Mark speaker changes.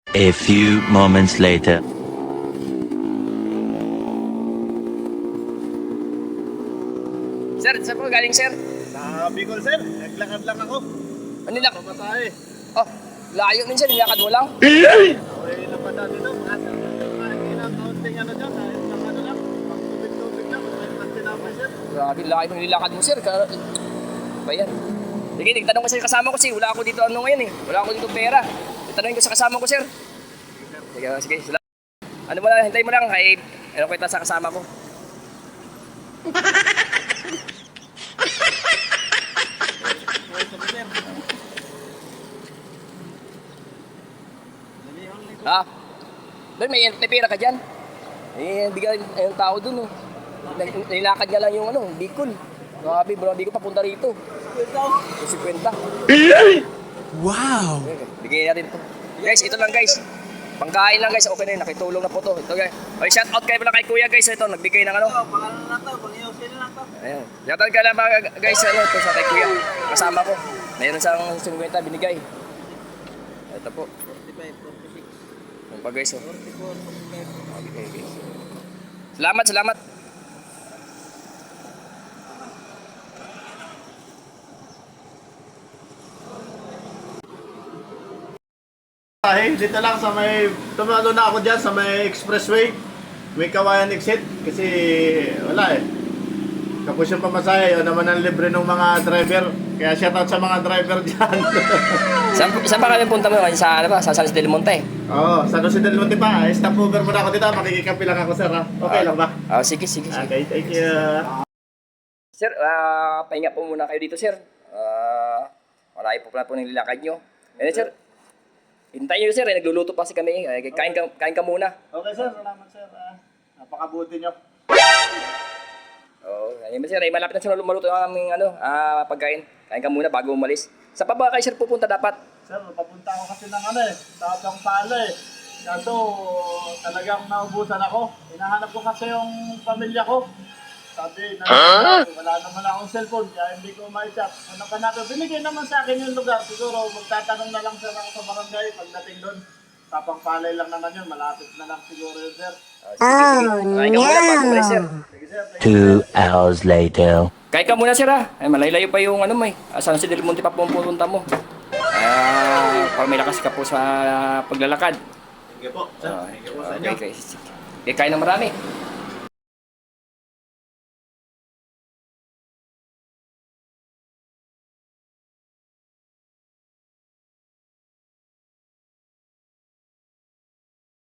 Speaker 1: A few moments later.
Speaker 2: Sir, saan po galing, sir?
Speaker 3: Sa Bicol, sir. Naglakad lang ako.
Speaker 2: Manila.
Speaker 3: Pamatay.
Speaker 2: Oh, layo min, sir. Nilakad mo lang.
Speaker 3: Okay, lapad na dito. Makasal na dito. Kahit kaunting ano dyan. Kahit lang ano lang. Pag-tubig-tubig lang. Kahit pag tinapay, sir.
Speaker 2: Grabe, layo mo nilakad mo, sir. Ba yan? Sige, nagtanong ko sa kasama ko, sir. Wala ako dito ano ngayon eh. Wala ako dito pera. Itanongin ko sa kasama ko, sir. Sige, sige. Salamat. Ano mo lang, hintay mo lang. Kay, ano kita sa kasama ko. Ha? Doon, may pera ka dyan. Eh, bigyan yung tao dun, oh. Nilakad niya lang yung ano, Bicol. Grabe, bro, Bicol papunta rito. 50.
Speaker 1: Wow!
Speaker 2: Bigyan natin ito. Guys, ito lang guys. Pangkain lang guys, okay na yun, nakitulong na po to. Ito guys. Okay, shout out kayo pala kay kuya guys, ito, nagbigay ng ano.
Speaker 3: Pangalan na to. Pang-iusin na to.
Speaker 2: Ayan. Shout out ka lang mga guys, ano, ito sa kay kuya. Kasama ko. Mayroon siyang 50 binigay. Ito po.
Speaker 3: 45, 46,
Speaker 2: Yung pa guys, oh.
Speaker 3: 44, 45.
Speaker 2: Okay, guys. Salamat, salamat.
Speaker 3: Ay, dito lang sa may, tumalo na ako dyan sa may expressway. May Kawayan exit. Kasi wala eh. Tapos yung pamasahe, yun naman ang libre ng mga driver. Kaya shoutout sa mga driver dyan.
Speaker 2: Saan pa kami punta mo? Sa, ano ba? Sa San Jose del Monte.
Speaker 3: Oo, San Jose del Monte pa. Stop over muna ako dito. Makikikapi lang ako, sir. Ha? Okay lang ba?
Speaker 2: Sige, sige, sige.
Speaker 3: Okay, thank you.
Speaker 2: Sir, pahinga po muna kayo dito, sir. Marami po pala po nililakad nyo. Ngayon, sir, hintayin nyo, sir. Nagluluto pa kasi kami. Kain ka muna.
Speaker 3: Okay, sir. Salamat, sir. Napakabuti nyo.
Speaker 2: Oo, ayun ba, sir. Malapit na sir maluto ang aming pagkain. Kain ka muna bago umalis. Sa pa ba kayo, sir, pupunta dapat?
Speaker 3: Sir, papunta ako kasi ng tapang pala eh. Kaso talagang naubusan ako. Hinahanap ko kasi yung pamilya ko. Sabi, wala naman akong cellphone, kaya hindi ko ma-chat. Ano ka natin? Binigay naman sa akin yung lugar. Siguro magtatanong na lang sir ako sa barangay pagdating doon. Tapang palay lang naman yun. Malapit na lang siguro yun, sir.
Speaker 2: Sige. Kain ka muna bago umalis, sir.
Speaker 3: Sige, sir. Thank you.
Speaker 1: 2 hours later.
Speaker 2: Kain ka muna, sir, ha. Ay, malaylayo pa yung may. San Jose del Monte pa po ang pupunta mo. Para may lakas ka po sa paglalakad.
Speaker 3: Sige po, sir. Thank you po sa inyo.
Speaker 2: Okay, kain ng marami.